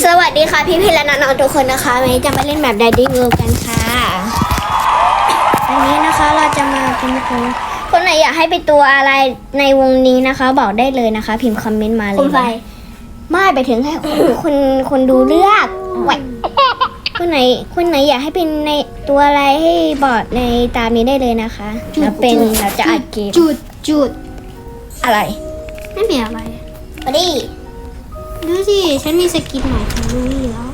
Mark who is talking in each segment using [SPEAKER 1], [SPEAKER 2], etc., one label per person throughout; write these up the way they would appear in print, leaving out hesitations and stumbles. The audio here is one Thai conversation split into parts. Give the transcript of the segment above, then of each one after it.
[SPEAKER 1] สวัสดีค่ะพี่และน้องๆทุกคนนะคะวันนี้จะมาเล่นแบบไดดิ้งเวิลด์กันค่ะอันนี้นะคะเราจะมาเป็นคนไหนอยากให้เป็นตัวอะไรในวงนี้นะคะ บอกได้เลยนะคะ พิมพ์คอมเมนต์มาเลยคนไฟไม่ไปถึงให้คนดูเลือกคนไหนอยากให้เป็นในตัวอะไรให้บอกในตามนี้ได้เลยนะคะเราจะอัดเกม
[SPEAKER 2] จุด
[SPEAKER 1] อะไร
[SPEAKER 2] ไม่มีอะไร
[SPEAKER 1] มาดิ
[SPEAKER 2] ดูสิฉันมีสกินใหม่ของลูวี่แล้ว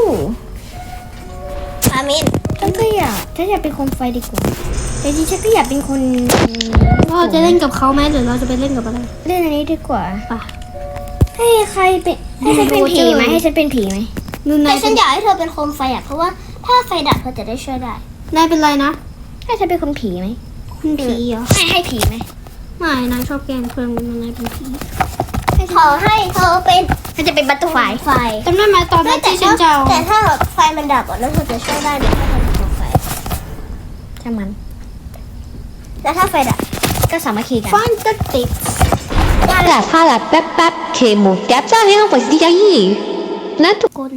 [SPEAKER 1] อามินฉันอยากเป็นคนไฟดีกว่าแต่จริงฉันก็อยากเป็นคน
[SPEAKER 2] เราจะเล่นกับเขาไหมหรือเราจะไปเล่นกับอะไร
[SPEAKER 1] เล่นอันนี้ดีกว่า
[SPEAKER 2] ป่ะ
[SPEAKER 1] ให้ใครเป็นให้ฉันเป็นผีไหมให้ฉันเป็นผีไหมแต่ฉันอยากให้เธอเป็นโคมไฟเพราะว่าถ้าไฟดับเธอจะได้ช่วยได้
[SPEAKER 2] นายเป็นไรนะ
[SPEAKER 1] ให้ฉันเป็นคนผีไหม
[SPEAKER 2] คุณผีเหรอ
[SPEAKER 1] ให้ผีไหม
[SPEAKER 2] ไม่นายชอบแกล้งเพื่อนนายเป็นผี
[SPEAKER 1] ขอให้เธอเป็นฉันจะเป็นบัตเตอร์ไฟ
[SPEAKER 2] จำได้ไหมตอนนั้นที่ฉันจะ
[SPEAKER 1] แต่ถ้าไฟมันดับแล้วเธอจะช่วยได้ไหมถ้าเธอเป็นโคมไฟช่างมันแล้วถ้าไฟดับก็สามัคคีกัน
[SPEAKER 2] ฟันตัดติด
[SPEAKER 3] Pala pep kemo tap sa hang pas di jagi นะทุกคน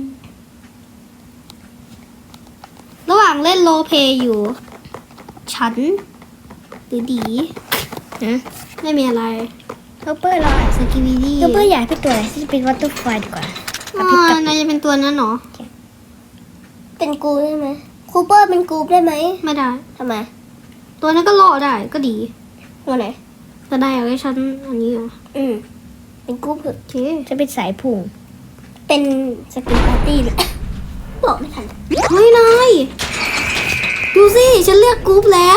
[SPEAKER 2] ระหว่างเล่นโรลเพลย์อยู่ฉันหรือดีไม่มีอะไร
[SPEAKER 1] เปอร์เรา
[SPEAKER 2] สกิวิดี้
[SPEAKER 1] เปอร์อยากเป็นตัวอะไรที่เป็นวัตถุไฟดีกว่
[SPEAKER 2] านายจะเป็นตัวนั้นเหรอ
[SPEAKER 1] เป็นกูได้ไหมคูเปอร์เป็นกูได้ไหม
[SPEAKER 2] ไม่ได้
[SPEAKER 1] ทำไม
[SPEAKER 2] ตัวนั้นก็รอได้ก็ดี
[SPEAKER 1] ตัวไหน
[SPEAKER 2] ก็ได้เอาไว้ฉันอันนี้อ่ะ
[SPEAKER 1] เป็นกูเถอะ
[SPEAKER 2] จะ
[SPEAKER 1] เป็นสายพุ่งเป็นสกินปาร์ตี้เลยบอกไม่ทัน
[SPEAKER 2] เฮ้ยนายดูสิฉันเลือกกรุ๊ปแล้ว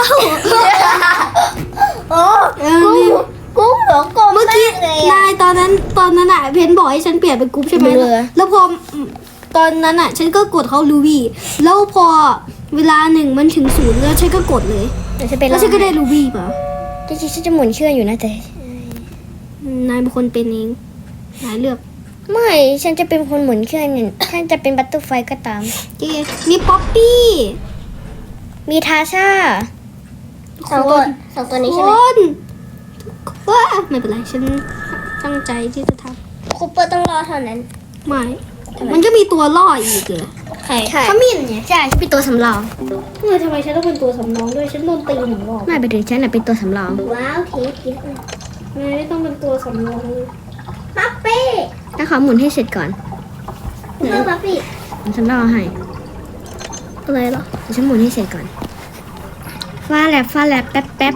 [SPEAKER 1] โอ้กูเหรอกเมื่อกี้
[SPEAKER 2] นายตอนนั้นอ่ะเพนบอกให้ฉันเปลี่ยนเป็นกรุ๊ปใช่ไหมแล้วพอตอนนั้นอ่ะฉันก็กดเขาลูวี่แล้วพอเวลา1มันถึง0แล้วฉันก็กดเลยแล้วฉันก็ได้ลูวี่ป่ะ
[SPEAKER 1] จริงๆฉันจะหมุนเชื่ออยู่นะแต่
[SPEAKER 2] นายเป็นคนเป็นเองนายเลือก
[SPEAKER 1] ไม่ฉันจะเป็นคนหมุนเชื่อเนี่ยฉันจะเป็นบัตเตอร์ไฟก็ตาม
[SPEAKER 2] มีป๊อปปี้
[SPEAKER 1] มีทาชาสองตัวนี้ใช่ไหม
[SPEAKER 2] ว้าไม่เป็นไรฉันตั้งใจที่จะท
[SPEAKER 1] ำคูเปอร์ต้องรอเท่านั้น
[SPEAKER 2] ไม่มันก็มีตัวล่ออีกเหรอ
[SPEAKER 1] ใช่ขมิ้นเนี่ยใช่ฉันเป็นตัวสำรอง
[SPEAKER 2] ทำไมฉันต้องเป็นตัวสำรองด้วยฉันโดนตีหนึ่งรอบ
[SPEAKER 1] ไม่ไปถึงฉันเป็นตัวสำรอง
[SPEAKER 2] ว้าวเทสเยอะเลยไม่ต้องเป็นตัวสำรอง
[SPEAKER 1] ปั๊ปปี้ถ้าเขาหมุนให้เสร็จก่อนปั๊ปปี้ฉันรอให้
[SPEAKER 2] อะไรหรอ
[SPEAKER 1] ฉันหมุนให้เสร็จก่อนฟ้าแลบแป๊บ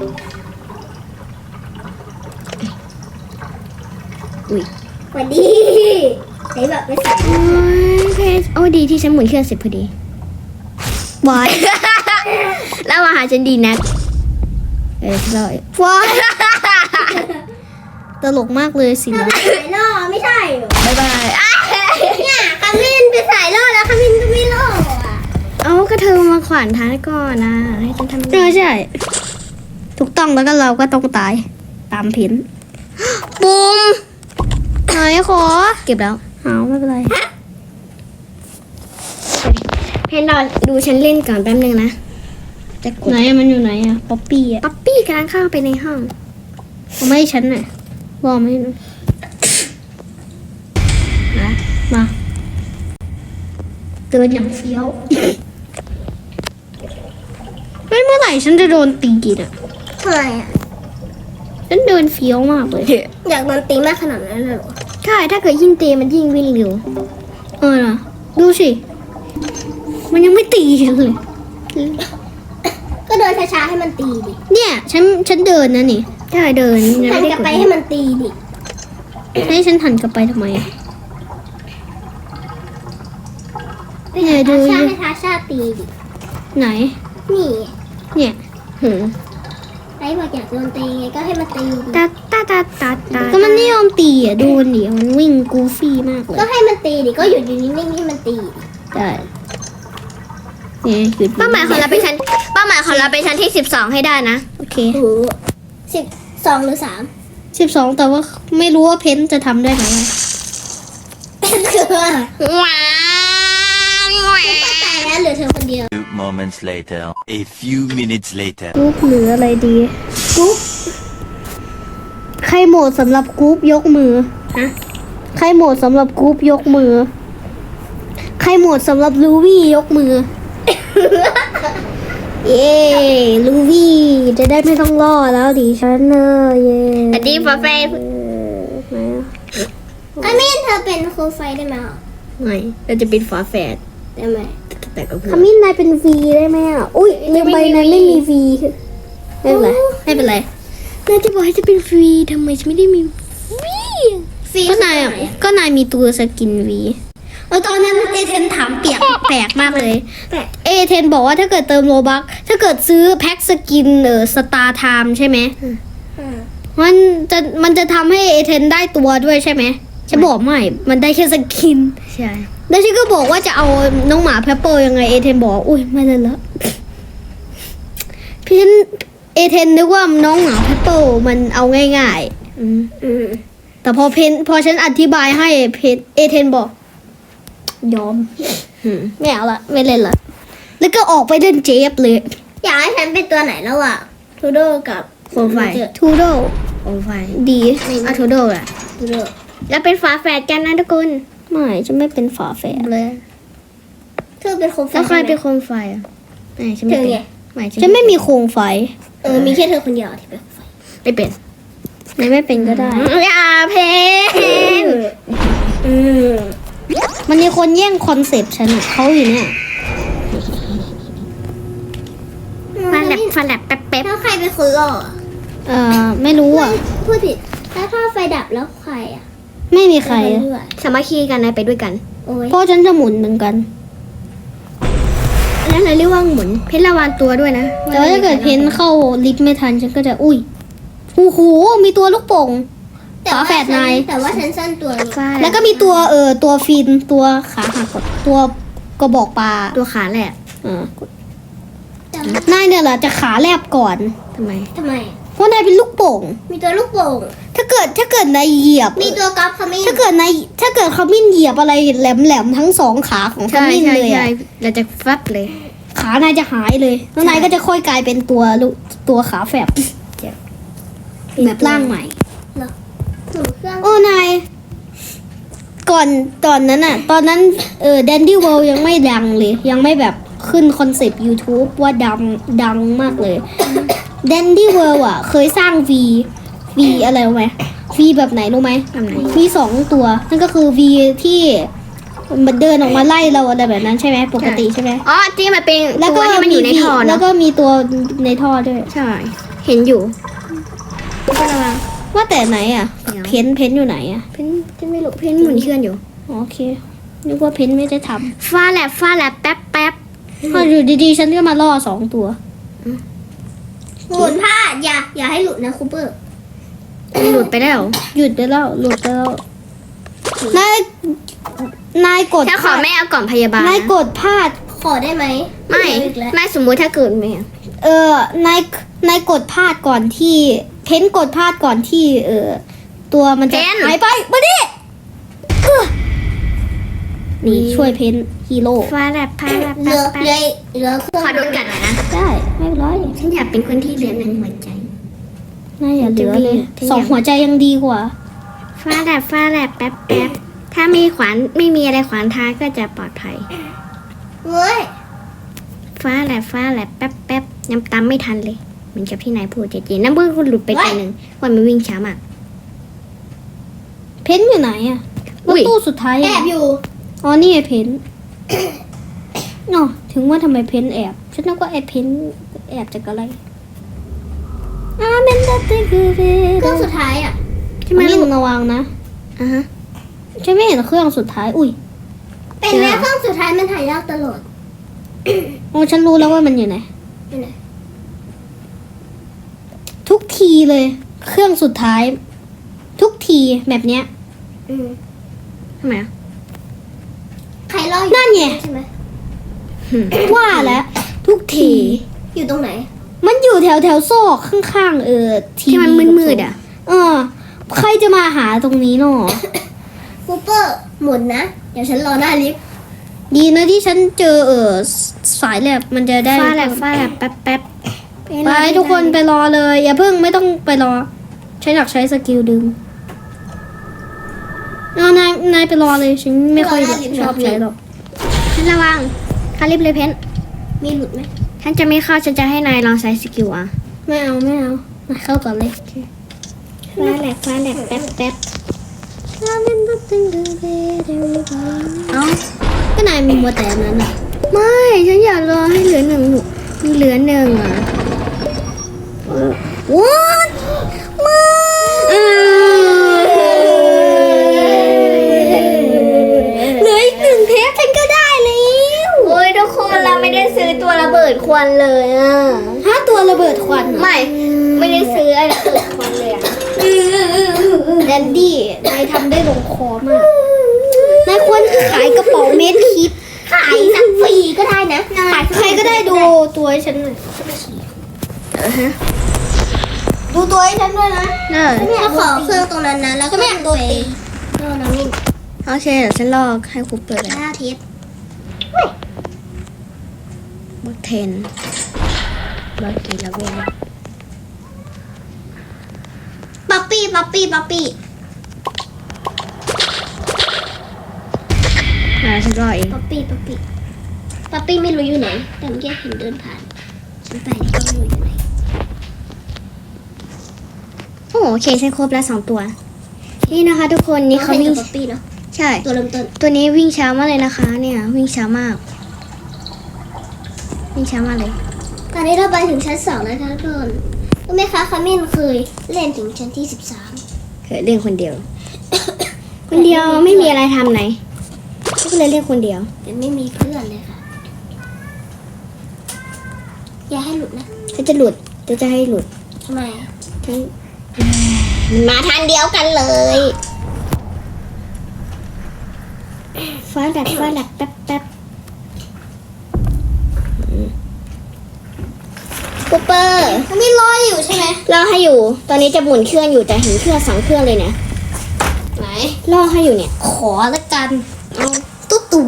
[SPEAKER 1] อุ้ยสวัสดีไหนแบบไม่ใส่โอ้ดีที่ฉันหมุนเครื่องเสร็จพอดีบอยแล้วมาหาฉันดีนะเลย
[SPEAKER 2] ว้ายตลกมากเลยสินะ
[SPEAKER 1] สายล่อไม่ใช่บายเนี่ยคามินไปสายล่อแล้วคามินก็ไม่ล่อเอาก็เธอมาขวานท้ายก่อนนะให้ฉันทำ
[SPEAKER 2] ใช่ถูกต้องแล้วก็เราก็ต้องตายตามผิน
[SPEAKER 1] บูม
[SPEAKER 2] ไหนขอ
[SPEAKER 1] เก็บแล้ว
[SPEAKER 2] เอาไม่เป็นไร
[SPEAKER 1] เพนดอนดูฉันเล่นก่อนแป๊บนึงนะ
[SPEAKER 2] จะไหนมันอยู่ไหนอะป๊อปปี้
[SPEAKER 1] กำลังเข้าไปในห้อง
[SPEAKER 2] ไม่ฉันน่ะบอกไม่นะมาเดินอย่างเฟี้ยวไม่เมื่อไหร่ฉันจะโดนตีอ่ะ
[SPEAKER 1] ทำไมอ่ะ
[SPEAKER 2] ฉันเดินเฟี้ยวมากเลย
[SPEAKER 1] อยากโดนตีมากขนาดนั้นเลยเหรอใช่ถ้าเกิดยิ่งตีมันยิ่งวิ่งเร็ว
[SPEAKER 2] นะดูสิมันยังไม่ตีฉันเลย
[SPEAKER 1] ก็เดินช้าๆให้มันตีดิ
[SPEAKER 2] เนี่ยฉันเดินนะนี่
[SPEAKER 1] ใช่เดินหันกลับไปให้มันตีดิ
[SPEAKER 2] ให้ฉันหันกลับไปทำไม
[SPEAKER 1] เนี่ยดูให้ทาชาตีดิ
[SPEAKER 2] ไหน
[SPEAKER 1] นี่
[SPEAKER 2] เนี่ย
[SPEAKER 1] ไอ้บอกอยากโดนตีไงก็ให้มันตี
[SPEAKER 2] ตาก็มันไม่ยอมตีอ่ะโดนดิมันวิ่งกูฟี่มากเลย
[SPEAKER 1] ก็ให้มันตีดิก็อยู่นิ่งๆให้มันตี
[SPEAKER 2] ได้เนี่ย
[SPEAKER 1] เป้าหมายของเราเป็นชั้นที่12ให้ได้นะ
[SPEAKER 2] โอเค
[SPEAKER 1] 12หรือ
[SPEAKER 2] 12แต่ว่าไม่รู้ว่าเพนจะทำได้ไหม
[SPEAKER 1] คือว้าวแต่แล้วเหลือเธอคนเดียว
[SPEAKER 4] moments later a few minutes later
[SPEAKER 2] กรุ๊ปหรืออะไรดีกรุ๊ปใครโหมดสำหรับกรุ๊ปยกมือ
[SPEAKER 1] ฮะ
[SPEAKER 2] ใครโหมดสำหรับกรุ๊ปยกมือใครโหมดสำหรับลูวี่ยกมือ เย้ลูวี่จะได้ไม่ต้องล่อแล้วดิฉันเนอะเย้
[SPEAKER 1] สวัสดีฟ้าแฟน
[SPEAKER 2] ไหนอะ
[SPEAKER 1] อามินเธอเป็นโคมไฟได้ไหมอ่ะ
[SPEAKER 2] ไม่เราจะเป็นฝาแฝด
[SPEAKER 1] ได้ไหม
[SPEAKER 2] แต่ก็ขมิ้นนายเป็น V ได้ไหมอ่ะ อุ้ยลืมไปนายไม่มี V ไม่เป็นไรไม่เป็นไรนายจะบอกให้จะเป็น V ทำไมฉันไม่ได้มี V ก็นายอ่ะก็นายมีตัวสกิน V ตอนนั้นเอเทนถามแปลกมากเลย เอเทนบอกว่าถ้าเกิดเติมโลบัคถ้าเกิดซื้อแพ็คสกินสตาร์ไทม์ใช่ไหมมันจะทำให้เอเทนได้ตัวด้วยใช่ไหมฉันบอกไม่ มันได้แค่สกิน
[SPEAKER 1] ใช่
[SPEAKER 2] แล้วฉันก็บอกว่าจะเอาน้องหมาแพปเปอร์ยังไงเอเทนบอกอุ้ยไม่เลยละพี่เอเทนนึกว่าน้องหมาแพปเปอร์มันเอาง่ายๆแต่พอฉันอธิบายให้เอเทนบอกยอมไม่เอาละไม่เล่นละแล้วก็ออกไปเล่นเจฟเลย
[SPEAKER 1] อยากให้ฉันเป็นตัวไหนแล้วอ่ะทูโดกับโคมไฟ
[SPEAKER 2] ทูโด
[SPEAKER 1] โคมไฟ
[SPEAKER 2] ดีอะทูโดอะ
[SPEAKER 1] ทูโดแล้วเป็นฝาแฝดกันนะทุกคน
[SPEAKER 2] ไม่ฉันไม่เป็นฝาแฝดเลย
[SPEAKER 1] เธอเป็นโคมไฟ
[SPEAKER 2] แล้วใครเป็นโคมไฟอ่ะไม่ฉันไม่
[SPEAKER 1] เธอ
[SPEAKER 2] เป็น
[SPEAKER 1] ไง
[SPEAKER 2] ไม่ฉันไม่มีโคมไฟ
[SPEAKER 1] มีแค่เธอคนเดียวที่เป็นโคมไฟ
[SPEAKER 2] ไม่เป็นไม่เป็นก็ได้
[SPEAKER 1] อย่าเพน
[SPEAKER 2] มันมีคนแย่งคอนเซปต์ฉันอะเขาอยู่เนี่ย
[SPEAKER 1] ฟาแลบแป๊บถ้าใครเป็นคนล่อ
[SPEAKER 2] ไม่รู้อ่ะ
[SPEAKER 1] พูดผิดแล้วถ้าไฟดับแล้วใครอ่ะ
[SPEAKER 2] ไม่มีใครอะ
[SPEAKER 1] สามัคคีกันนะไปด้วยกันโอ้ย
[SPEAKER 2] เพราะฉันจะหมุนเหมือนกัน
[SPEAKER 1] แล้วเราเรียกว่าหมุนเพชรระวังตัวด้วยนะ
[SPEAKER 2] แต่ว่าถ้าเกิดเพนเข้าลิฟต์ไม่ทันฉันก็จะอุ้ยโอ้โหมีตัวลูกโป่งฝาแฝดนาย
[SPEAKER 1] แต่ว่าฉันสั้นตัว
[SPEAKER 2] แล้วก็มีตัวตัวฟินตัวขาหักกดตัวกระบอกปลา
[SPEAKER 1] ตัวขาแหละ
[SPEAKER 2] นายเนี่ยแหละจะขาแลบก่อน
[SPEAKER 1] ทำไม
[SPEAKER 2] เพราะนายเป็นลูกโป่ง
[SPEAKER 1] มีตัวลูกโป่ง
[SPEAKER 2] ถ้าเกิดนายเหยียบ
[SPEAKER 1] มีตัวกอล์ฟขมิ้น
[SPEAKER 2] ถ้าเกิดขมิ้นเหยียบอะไรแหลมๆทั้งสองขาของขมิ้นเลยอะ
[SPEAKER 1] เราจะฟัดเลย
[SPEAKER 2] ขานายจะหายเลยแล้วนายก็จะค่อยกลายเป็นตัวขาแฝบแบบร่างใหม่
[SPEAKER 1] ถูกเครื่อง
[SPEAKER 2] โอ้นายก่อนนั้นอะตอนนั้นแดนดี้เวิลด์ยังไม่ดังเลย ยังไม่แบบขึ้นคอนเซปต์ YouTube ว่าดังมากเลยแดนดี้เวิลด์อะเคยสร้าง V อะไรรู้ไหม V แบบไหนรู้ไหม
[SPEAKER 1] แบบไหน
[SPEAKER 2] V 2 ตัว นั่นก็คือ V ที่มันเดินออกมาไล่เราอะไรแบบนั้นใช่ไหมปกติใช่ไหม
[SPEAKER 1] อ๋อที่มันเป็น
[SPEAKER 2] แล้วก็
[SPEAKER 1] ตัวที่มันอยู่ในท่อ
[SPEAKER 2] แล้
[SPEAKER 1] เนาะ
[SPEAKER 2] วก็มีตัวในท่อด้วย
[SPEAKER 1] ใช่ เห็นอยู่
[SPEAKER 2] ว่าแต่ไหนอ่ะ
[SPEAKER 1] เดี๋ยว
[SPEAKER 2] เพ้นอยู่ไหนอ่ะ
[SPEAKER 1] เพนจะไม่รู้เพนหมุนเคลื่อนอยู่
[SPEAKER 2] อ๋อโอเคนึกว่าเพ้นไม่ได้ท
[SPEAKER 1] ฟาแลบแป๊บ
[SPEAKER 2] ำพออยู่ดีๆ ฉันก็มาล่อ2 ตัว
[SPEAKER 1] หมุนผ้าอย่าให้หลุดนะคูเปอร์หลุดไปแล้ว
[SPEAKER 2] หยุดได้แล้วหลุดได้แล้วนายกด
[SPEAKER 1] ถ้าขอไม่เอาก่อนพยาบาล
[SPEAKER 2] นายกดพลาด
[SPEAKER 1] ขอได้ไหมไม่สมมุติถ้าเกิดไหม
[SPEAKER 2] นายกดพลาดก่อนที่เพ้นกดพลาดก่อนที่ตัวมันจะหายไปมาดินี่ช่วยเพ้นฮีโร่
[SPEAKER 1] ฟาแลบแป๊บเหลือเครื่องขอโดนกัดหน่อยนะ
[SPEAKER 2] ได้ไม่เป็นไร
[SPEAKER 1] ฉันอยากเป็นคนที่เรียนในหัวใจ
[SPEAKER 2] นายอย่าเหลือเลย
[SPEAKER 1] จะมี
[SPEAKER 2] 2 หัวใจยังดีกว่า
[SPEAKER 1] ฟาแลบแป๊บถ้ามีขวานไม่มีอะไรขวานท้ายก็จะปลอดภัยเว้ยฟาแลบแป๊บยังตามไม่ทันเลยเหมือนกับที่นายพูดจริงๆน้ำมือคุณหลุดไปตัวหนึ่งวันมันวิ่งช้ามาก
[SPEAKER 2] เพ้นอยู่ไหนอะ
[SPEAKER 1] อุ้ย
[SPEAKER 2] ตู้สุดท้าย
[SPEAKER 1] แอบอยู่
[SPEAKER 2] อ๋อนี่ไงเพ้นอ๋อถึงว่าทำไมเพ้นแอบฉันนึกว่าไอ้เพ้นแอบจากอะไรเมนดัตติคือเ
[SPEAKER 1] เครื่องสุดท้ายอ่ะ
[SPEAKER 2] ที่ไม่ลงระวังนะ
[SPEAKER 1] อ่ะฮะ
[SPEAKER 2] ฉันไม่เห็นเครื่องสุดท้ายอุ้ย
[SPEAKER 1] เป็นแม่เครื่องสุดท้ายมันถ่ายยากตลอด
[SPEAKER 2] โอ้ฉันรู้แล้วว่ามันอยู่ไหน
[SPEAKER 1] อยู่ไหน
[SPEAKER 2] ทุกทีเลย เครื่องสุดท้าย ทุกทีแบบเนี้ย
[SPEAKER 1] ทำไมอ่ะใครรอ
[SPEAKER 2] นั่นไง
[SPEAKER 1] ใช่ไหม
[SPEAKER 2] ว่าแล้วทุกที
[SPEAKER 1] อยู่ตรงไหน
[SPEAKER 2] มันอยู่แถวซอกข้างๆที
[SPEAKER 1] ที่มัน
[SPEAKER 2] วี
[SPEAKER 1] มืดๆอ่ะ
[SPEAKER 2] ใครจะมาหาตรงนี้เนาะ
[SPEAKER 1] คูเปอร์หมุนนะ เดี๋ยวฉันรอหน้าลิฟต์
[SPEAKER 2] ดีนะที่ฉันเจอสายแลบมันจะได้
[SPEAKER 1] ฟาแลบแป๊บ
[SPEAKER 2] ไปทุกคนไปรอเลย อย่าเพิ่งไม่ต้องไปรอฉันอยากใช้สกิลดึงนายไปรอเลยฉันไม่ค่อยชอบใช้หรอก
[SPEAKER 1] นระวังเขารีบเลยเพน
[SPEAKER 2] มีหลุดไหม
[SPEAKER 1] ฉันจะไม่เข้าฉันจะให้นายลองใช้สกิลอ่ะ
[SPEAKER 2] ไม่เอามาเข้าก่อนเลย
[SPEAKER 1] ฟ้าแหลกแป๊บเอ้า
[SPEAKER 2] ก็นายมีมัวแต่อันนั้นอ่ะ
[SPEAKER 1] ไม่ฉันอยากรอให้เหลือหนึ่งมีเหลือหนึ่งอ่ะ
[SPEAKER 2] What เหลืออีก1 เทปฉันก็ได้แล้ว
[SPEAKER 1] โอ้ยทุกคนเราไม่ได้ซื้อตัวระเบิดควันเลยอ่ะ
[SPEAKER 2] 5 ตัวระเบิดควันเหรอ
[SPEAKER 1] ไม่ได้ซื้ออะไรระเบิดควันเลยอ่ะ
[SPEAKER 2] แดนดี้นายทำได้ลงคอมากนายควรขายกระเป๋าเมดคิด
[SPEAKER 1] ขายสักฟรีก็ได้นะ
[SPEAKER 2] ใครก็ได้ดูตัวให้ฉันหน่อยดูตัวให้ฉันด้วยนะ
[SPEAKER 1] เนอะ
[SPEAKER 2] ถ้าขอเครื่องตรงนั้นนะแล้วก็ไม่ตัวเองน้ำมิน
[SPEAKER 1] โอเคเดี๋ยวฉันลอกให้ครูเปิดเลย
[SPEAKER 2] 5 เทป
[SPEAKER 1] บล็อก10บล็อกกี่แล้วเว้ย
[SPEAKER 2] ป๊อปปี้
[SPEAKER 1] ฉันรอเอง
[SPEAKER 2] ป๊อปปี้ไม่รู้อยู่ไหนแต่เมื่อกี้เห็นเดินผ่านฉันไปก็ไม่รู้อยู่ไหน
[SPEAKER 1] โอ้โอเคฉันครบแล้ว2 ตัว นี่นะคะ ทุกคนนี่เขาวิ่ง
[SPEAKER 2] ป๊อปปี้เนาะ
[SPEAKER 1] ใช่
[SPEAKER 2] ตัวเริ่มต้น
[SPEAKER 1] ตัวนี้วิ่งช้ามากเลยนะคะ เนี่ยวิ่งช้ามากวิ่งช้ามากเลย
[SPEAKER 2] ตอนนี้เราไปถึงชั้น2แล้วทุกคนรู้ไหมคะคามินเคยเล่นถึงชั้นที่ 13
[SPEAKER 1] เคยเล่นคนเดียว คนเดียวไม่มีอะไรทำไหนก็เลยเล่นคนเดียว
[SPEAKER 2] แต่ไม่มีเพื่อนเลยค่ะ อย่าให้หลุดนะ
[SPEAKER 1] ฉันจะหลุดจะให้หลุด
[SPEAKER 2] ทำไม
[SPEAKER 1] ฉันมันมาทางเดียวกันเลยฟ้าแลบแป๊บคูเปอร์
[SPEAKER 2] คามินรออยู่ใช่ไหม
[SPEAKER 1] ล่อให้อยู่ ตอนนี้จะหมุนเครื่องอยู่แต่เห็นเครื่อง2 เครื่องเลยเนี่ย
[SPEAKER 2] ไหน
[SPEAKER 1] ล่อให้อยู่เนี่ย
[SPEAKER 2] ขอละกันเอาตุ๊ตู่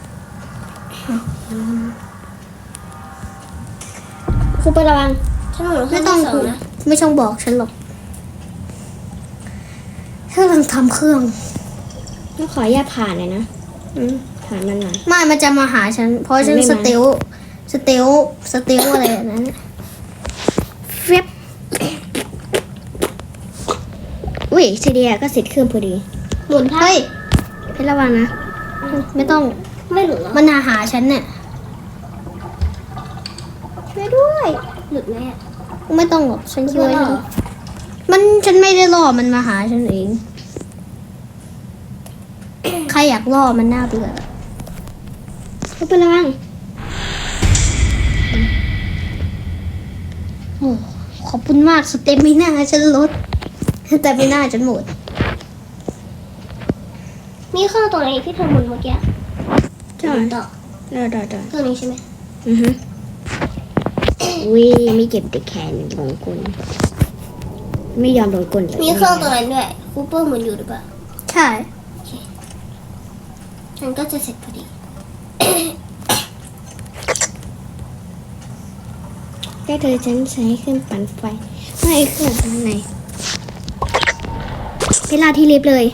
[SPEAKER 1] คูเปอร์ระวัง
[SPEAKER 2] ฉันหมุน
[SPEAKER 1] ไม่ต้อง
[SPEAKER 2] สองนะ
[SPEAKER 1] ไม่ต้องบอกฉันหรอกถ้ากำลังทำเครื่องต้องขออนุญาตผ่านเลยนะผ่านมันหน่อย
[SPEAKER 2] ไม่มันจะมาหาฉัน เพราะฉัน
[SPEAKER 1] ไม่มา
[SPEAKER 2] สเตลอะไรแบบนั้น
[SPEAKER 1] เฟียบอุ้ยซีเดียก็เสร็จเครื่องพอดี
[SPEAKER 2] หมุนเฮ้ย
[SPEAKER 1] เพชรระวังนะ
[SPEAKER 2] ไม่ต้อง
[SPEAKER 1] ไม่หลุดหรอ
[SPEAKER 2] มันหาฉันเนี่ย
[SPEAKER 1] ช่วยด้วย
[SPEAKER 2] หลุดไหมอะ
[SPEAKER 1] ไม่ต้องหรอกฉันคิดว่า
[SPEAKER 2] ไม่หรอ ฉันไม่ได้ล่อมันมาหาฉันเอง ใครอยากล่อมันน่าเบื่อ
[SPEAKER 1] เพชรระวัง
[SPEAKER 2] โอ้ขอบคุณมากสเต็มไม่น่าฉันลดแต่ไม่น่าฉันหมด มีเครื่องตัวไหนที่เธอหมุนเมื่อกี้
[SPEAKER 1] ใช่
[SPEAKER 2] ต่อ
[SPEAKER 1] ได้
[SPEAKER 2] เครื่องนี้ใช่ไหม
[SPEAKER 1] อือฮึวิไม่เก็บแต่แขนหลงกลไม่ยอมโดนกลเลย
[SPEAKER 2] มีเครื่องตัวนั้นด้วยคูเปอร์หมุนอยู่หรือเปล่า
[SPEAKER 1] ใช่
[SPEAKER 2] ฉันก็จะเสร็จพอดี
[SPEAKER 1] ได้เธอฉันใช้เครื่องปั่นไฟไม่เครื่องตรงไหนเวลาที่ลิฟต์เลย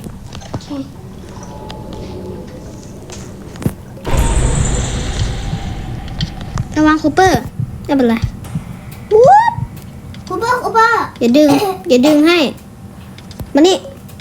[SPEAKER 1] ระวังคูเปอร์ไม่เป็นไร
[SPEAKER 2] คูเปอร์
[SPEAKER 1] อย่าดึงให้มานี่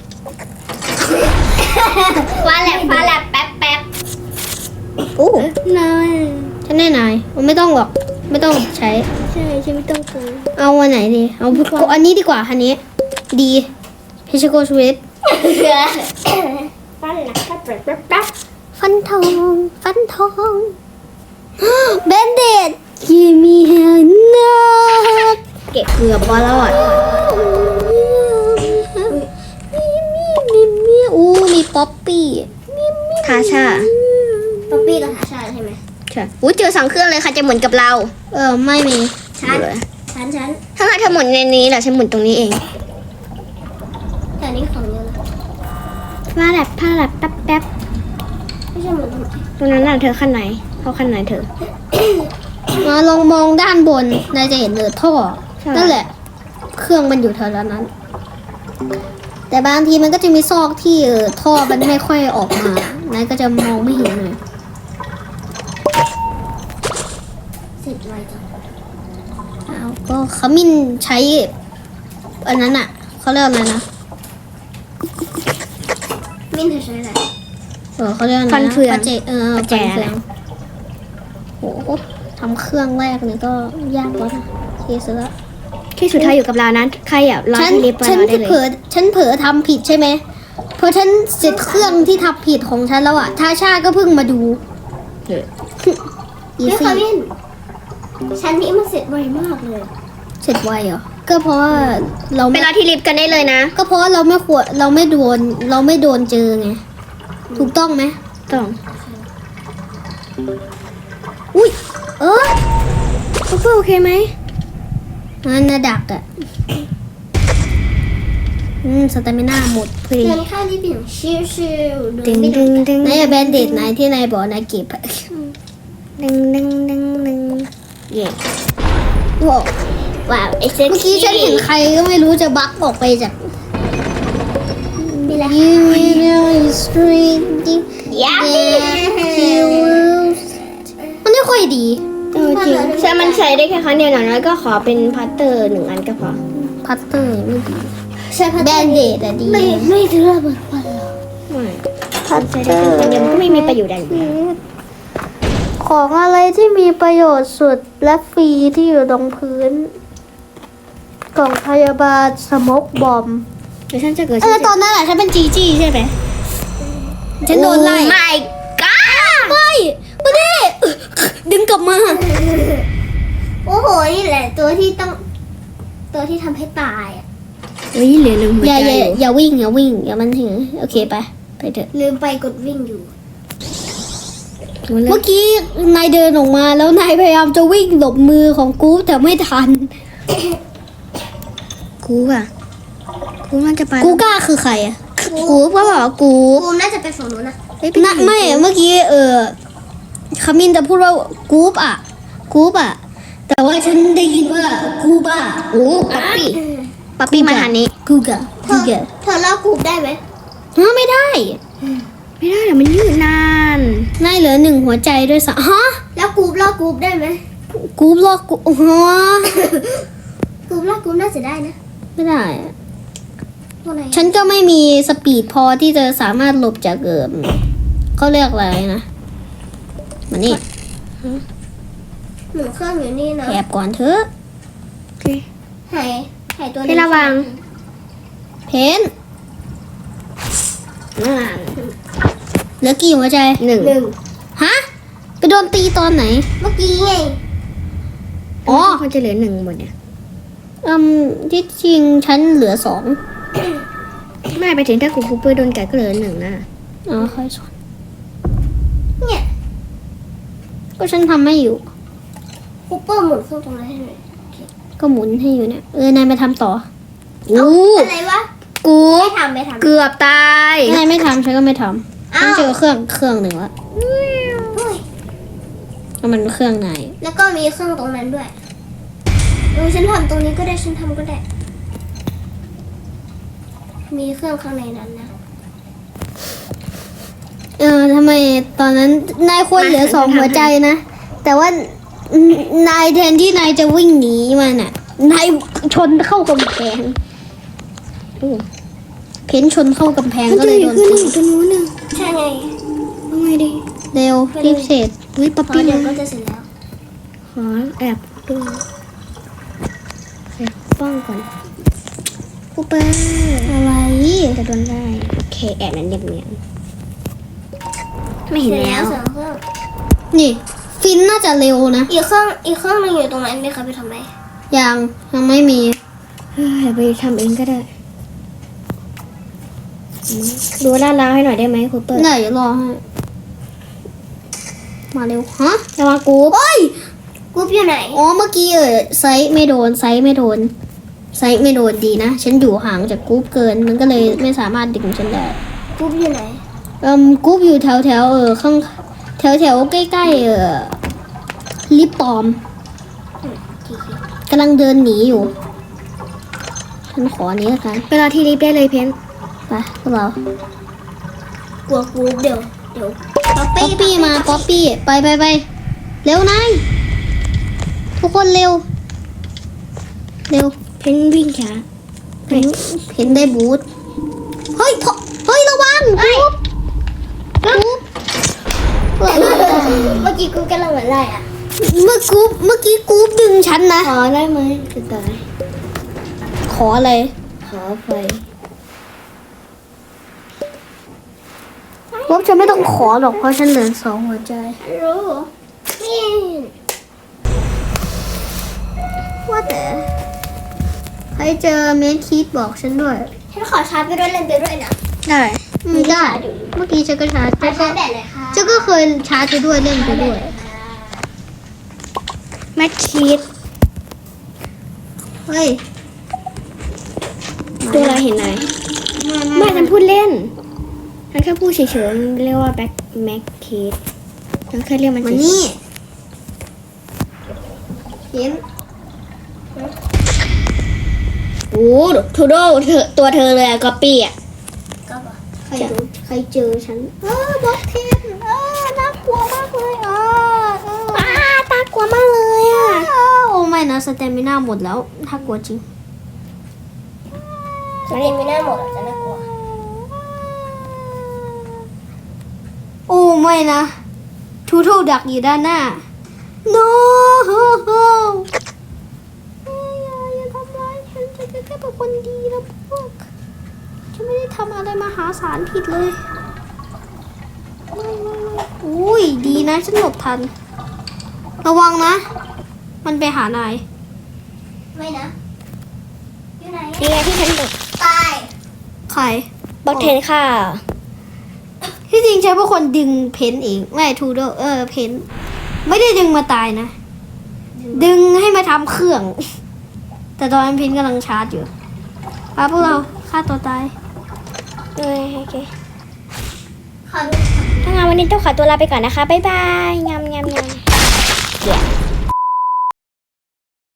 [SPEAKER 2] ฟ้าแลบแป๊บ
[SPEAKER 1] โอ้
[SPEAKER 2] นายฉันแน่นายไม่ต้องหรอก ไม่ต้องใช้
[SPEAKER 1] ใช่ฉันไม่ต้องกลัว
[SPEAKER 2] เอาอันไหนดี เอาอันนี้ดีกว่าอันนี้ ดีเพชรโกสวิต
[SPEAKER 1] ฟันหลักแป๊บ
[SPEAKER 2] ฟันทองเบนเดดกิมีเฮนา
[SPEAKER 1] เก็บเกือบบอลอด
[SPEAKER 2] อู้มีป๊อปปี้
[SPEAKER 1] ทาชา
[SPEAKER 2] ป๊อปปี้กับทาชาใช่ไหม
[SPEAKER 1] ใช่อุ้ยเจอ2 เครื่องเลยค่ะจะหมุนกับเรา
[SPEAKER 2] ไม่มี
[SPEAKER 1] ฉัน
[SPEAKER 2] ฉัน
[SPEAKER 1] ถ้าเธอหมุนในนี้แหละฉันหมุนตรงนี้เอง
[SPEAKER 2] แต่นี่ของเยอะเลย
[SPEAKER 1] ผ้าแลบแป๊บ
[SPEAKER 2] ไม่ใช่เหมือน
[SPEAKER 1] ตรงนั้นน่ะเธอขั้นไหนเข้าขั้นไหนเธอ
[SPEAKER 2] มาลองมองด้านบนนายจะเห็นเลยท่อ
[SPEAKER 1] ใช่
[SPEAKER 2] นั่นแหละ เครื่องมันอยู่แถวนั้น แต่บางทีมันก็จะมีซอกที่ท่อมันไม่ค่อยออกมานายก็จะมองไม่เห็นเลยก็ขมิ้นใช้อันนั้นอ่ะเขาเรียกอะไรนะ
[SPEAKER 1] มิ้นเธอใช้อะไร
[SPEAKER 2] เขาเรียกอะไรนะ
[SPEAKER 1] ฟันเฟือง
[SPEAKER 2] ปัจเจฟัน
[SPEAKER 1] แจ
[SPEAKER 2] เฟืองโหทำเครื่องแรกนี่ก็ยากแล้วนะที่สุดละ
[SPEAKER 1] ที่สุดท้ายอยู่กับเรานั้นใครอ่ะรอ
[SPEAKER 2] ฉัน
[SPEAKER 1] ที่ลิฟต์มา
[SPEAKER 2] ฉัน
[SPEAKER 1] รอได้เลย
[SPEAKER 2] ฉันเผลอทำผิดใช่ไหมพอฉันเสร็จเครื่องที่ทำผิดของฉันแล้วอ่ะทาชาก็เพิ่งมาดูอี
[SPEAKER 1] ไม่
[SPEAKER 2] ซี่
[SPEAKER 1] ขมิ้นชั้นนี้มันเสร็จไวมากเลย
[SPEAKER 2] เสร็จไวเหรอก็เพราะว่าเรา
[SPEAKER 1] ไป
[SPEAKER 2] ไม่
[SPEAKER 1] รอที่ลิฟต์กันได้เลยนะ
[SPEAKER 2] ก็เพราะว่าเราไม่โดนเจอไงถูกต้องไหม
[SPEAKER 1] ต้อง
[SPEAKER 2] อุ้ย
[SPEAKER 1] คูเปอร์โอเคไหม
[SPEAKER 2] งั้นนะดักอ่ะสเตมิน่าหมดพอดี
[SPEAKER 1] เดินเข้าลิฟต์อย่างชิวๆ
[SPEAKER 2] ดึงดึงดึงนายแบนเดดไหนที่นายบอกนายเก็บอะ
[SPEAKER 1] ดึงดึงดึงดึงเย่
[SPEAKER 2] ว้าว
[SPEAKER 1] ว้าวไอ้เซ็ก
[SPEAKER 2] เมื่อกี้ฉันเห็นใครก็ไม่รู้จะบักออกไปจาก
[SPEAKER 1] มีอะไร
[SPEAKER 2] You know street
[SPEAKER 1] ยา
[SPEAKER 2] มันไม่ค่อยดี
[SPEAKER 1] จริงใช่มันใช้ได้แค่ครั้งเดียวหน่อยแล้วก็ขอเป็นพัตเตอร์1 อันก็พอ
[SPEAKER 2] พัตเตอร์ไม่ดี
[SPEAKER 1] ใช่พัต
[SPEAKER 2] แบ
[SPEAKER 1] เตอร์
[SPEAKER 2] นเดดอะดี
[SPEAKER 1] ไม่ถือระเบิดควันหรอไม่พัตเตอร์เดียวมันก็ไม่มีประโยชน์อะไรอยู่แล้ว
[SPEAKER 2] ของอะไรที่มีประโยชน์สุดและฟรีที่อยู่ตรงพื้น กล่องพยาบาลสโมกบอม
[SPEAKER 1] เดี๋ยวฉันจะเกิด
[SPEAKER 2] ตอนนั้นอะฉันเป็นจีจี้ใช่ไหมฉันโดนไล่
[SPEAKER 1] ไม่ก้า
[SPEAKER 2] ไม่ไม่ได้ดึงกลับมา
[SPEAKER 1] โอ้โหนี่แหละตัวที่ทำให้ตายอ่ะ
[SPEAKER 2] เฮ้ยเหลือ1หัวใจอย่าวิ่งอย่ามันถึงโอเคไปเถอะ
[SPEAKER 1] ลืมไปกดวิ่งอยู่
[SPEAKER 2] เมื่อกี้นายเดินออกมาแล้วนายพยายามจะวิ่งหลบมือของกูแต่ไม่ทัน
[SPEAKER 1] กูอ่ะกูน่าจะไป
[SPEAKER 2] กูกล้าคือใครอะกูก็บอกว่ากู
[SPEAKER 1] กูน่าจะไปฝั่งนู้นนะ
[SPEAKER 2] นะไม่เมื่อกี้ขมินจะพูดว่ากูปอะแต่ว่าฉันได้ยินว่ากูบ้า
[SPEAKER 1] โอ้ป๊อปปี้มาทางนี้
[SPEAKER 2] กูกะ
[SPEAKER 1] เธอเล่ากูได้ไหม
[SPEAKER 2] ไม่ได้
[SPEAKER 1] ไม่ได้เดี๋ยวมันยืดนาน
[SPEAKER 2] นายเหลือ1หัวใจด้วยสะฮะ
[SPEAKER 1] แล้วกูเล่ากูได้ไหม
[SPEAKER 2] กูบล็อกกูฮะ
[SPEAKER 1] กูเล่ากูน่าจะได้นะ
[SPEAKER 2] ไม่ได้อะ
[SPEAKER 1] ตัวไหน
[SPEAKER 2] ฉันก็ไม่มีสปีดพอที่จะสามารถหลบจากเขาเรียกอะไรนะมานี่
[SPEAKER 1] หนูเครื่องอยู่นี่นะ
[SPEAKER 2] แอบก่อนเถอะ
[SPEAKER 1] หายตัว
[SPEAKER 2] ให้ระวัง เพน
[SPEAKER 1] นั่น
[SPEAKER 2] เหลือกี่หัวใจ
[SPEAKER 1] หนึ่ง
[SPEAKER 2] ฮะไปโดนตีตอนไหน
[SPEAKER 1] เมื่อกี้ไง
[SPEAKER 2] อ๋อ
[SPEAKER 1] มันจะเหลือ1หมดเนี่ย
[SPEAKER 2] ที่จริงฉันเหลือ2
[SPEAKER 1] ไม่ไปถึงถ้ากูคูเปอร์โดนกัดก็เหลือ1นะ
[SPEAKER 2] อ๋อค่อยสอน
[SPEAKER 1] เนี่ย
[SPEAKER 2] ก็ฉันทำไม่อยู่
[SPEAKER 1] คูเปอร์หมุนเครื่องตรงนั้นให้หน่อย
[SPEAKER 2] ก็หมุนให้อยู่เนี่ยนายไปทำต่อ
[SPEAKER 1] อะไรวะ
[SPEAKER 2] กู
[SPEAKER 1] ไม่ทำ
[SPEAKER 2] เกือบตายนายไม่ทำฉันก็ไม่ทำ
[SPEAKER 1] อ้าว
[SPEAKER 2] ฉันเจอเครื่องหนึ่งแล้ว
[SPEAKER 1] อุ้ย
[SPEAKER 2] แล้วมันเครื่องไหน
[SPEAKER 1] แล้วก็มีเครื่องตรงนั้นด้วยฉันทำตรงนี้ก็ได้ฉันทำก็ได้ มีเครื่องข้างในนั้นนะ
[SPEAKER 2] ทำไมตอนนั้นนายควรเหลือ2หัวใจนะ แต่ว่านายแทนที่นายจะวิ่งหนีมันอ่ะ นายชนเข้ากำแพงเพ้นชนเข้ากำแพงก็เลยโดนตี
[SPEAKER 1] ตรงนู้นน่ะใช่ไงเอาไงดี
[SPEAKER 2] เร็วรีบเสร็จวิป๊อป
[SPEAKER 1] พอ
[SPEAKER 2] ปี้
[SPEAKER 1] เดี๋ยวก็จะเสร็จแล้ว
[SPEAKER 2] ขอแอบดูแอบป้องก่อน
[SPEAKER 1] คูเปอร์
[SPEAKER 2] อะไร
[SPEAKER 1] จะโดนได้โอเคแอบนั้นเนียนๆไม่
[SPEAKER 2] เห็
[SPEAKER 1] เห็
[SPEAKER 2] น
[SPEAKER 1] น
[SPEAKER 2] แล้
[SPEAKER 1] แล้ว ว
[SPEAKER 2] นี่ ฟินน่าจะเร็วนะ
[SPEAKER 1] อีกเครื่องหนึงอยู่ตรงนั้นไหมคะไปทำไม
[SPEAKER 2] ยังไม่มี
[SPEAKER 1] เดี๋ยวไปทำเองก็ได้ดูลาดล้าวให้หน่อยได้ไหมคูเปอร์
[SPEAKER 2] ได้เดี๋ยวรอให้ มาเร็ว ฮะ
[SPEAKER 1] ระวังกู
[SPEAKER 2] โอ้ย
[SPEAKER 1] กูอยู่ไหน
[SPEAKER 2] อ๋อ เมื่อกี้ไซส์ไม่โดนดีนะ ฉันอยู่ห่างจากกรุ๊ปเกิน มันก็เลยไม่สามารถดึงฉันได้
[SPEAKER 1] กูอยู่ไหน
[SPEAKER 2] กรุ๊ปอยู่แถวข้างแถวใกล้ลิปปอมกำลังเดินหนีอยู่ ฉันขอนี้แล้วกัน
[SPEAKER 1] ไปรอที่ลิฟต์ได้เลยเพน
[SPEAKER 2] ไปพวกเรา
[SPEAKER 1] กลัวกูเดี๋ยวป๊อป
[SPEAKER 2] ป๊อปปี้มาป๊อปปี้ไปเร็วนายทุกคนเร็วเร็ว
[SPEAKER 1] เพนวิ่งช้า
[SPEAKER 2] เพนได้บูทเฮ้ยระวังกูเมื่อกี้กูกำลังเหมือนไรอ่ะเมื่อกี้กูดึงฉันนะ
[SPEAKER 1] ขอได้ไหมจะตาย
[SPEAKER 2] ขออะไร
[SPEAKER 1] ขอไฟ
[SPEAKER 2] ว่าฉันไม่ต้องขอหรอกเพราะฉันเหลือ2 หัวใจ
[SPEAKER 1] รู้นี่
[SPEAKER 2] ว่าแต่ใครเจอเมนคีดบอกฉันด้วย
[SPEAKER 1] ฉันขอชาร์จไปด้วยเล่นไปด้วยนะ
[SPEAKER 2] ได้ไม่ได้ เมื่อกี้ฉันก็ชาร์จ
[SPEAKER 1] ชาร์จแบตเลยค่ะ
[SPEAKER 2] ฉันก็เคยชาร์จไปด้วยเล่นไปด้วย
[SPEAKER 1] แม็กคีด
[SPEAKER 2] เฮ้ย
[SPEAKER 1] ตัวเราเห็นไหมไม่ฉันพูดเล่นฉันแค่พูดเฉยๆมันเรียกว่าแบ็คแม็กคีดฉันเคยเรียกมัน
[SPEAKER 2] มา
[SPEAKER 1] เฉยๆ
[SPEAKER 2] นี่เห็น
[SPEAKER 1] โอ้ทูโดตัวเธอเลยอะก๊อปปี้อะ
[SPEAKER 2] ใครเจอฉันบล็อกเทนน่ากลัวมากเลย
[SPEAKER 1] ตากลัวมากเลยอะ
[SPEAKER 2] โอ้ไม่นะสเตมิน่าหมดแล้วถ้ากลัวจริง
[SPEAKER 1] ฉันเรียนไม่น่าหมดจะน่ากลัว
[SPEAKER 2] โอ้ไม่นะทูโทดักอยู่ด้านหน้า no อย่าทำร้ายฉันแค่เป็นคนดีนะพวกฉันไม่ได้ทำอะไรมหาศาลผิดเลยไม่อุ้ยดีนะฉันหลบทัน ระวังนะ มันไปหานาย
[SPEAKER 1] ไม่นะอยู่ไหนนี่ไงที่ฉันบอก
[SPEAKER 2] ใคร
[SPEAKER 1] บล็อกเทนค่ะ
[SPEAKER 2] ที่จริงใช้เป็นคนดึงเพนเองไม่ทูโดเพนไม่ได้ดึงมาตายนะ ดึงให้มาทำเครื่อง แต่ตอนนั้นเพนกำลังชาร์จอยู่พาพวกเราฆ่าตัวตาย
[SPEAKER 1] โอเคถ้างั้นวันนี้ต้องขอตัวลาไปก่อนนะคะ บ๊ายบายงาม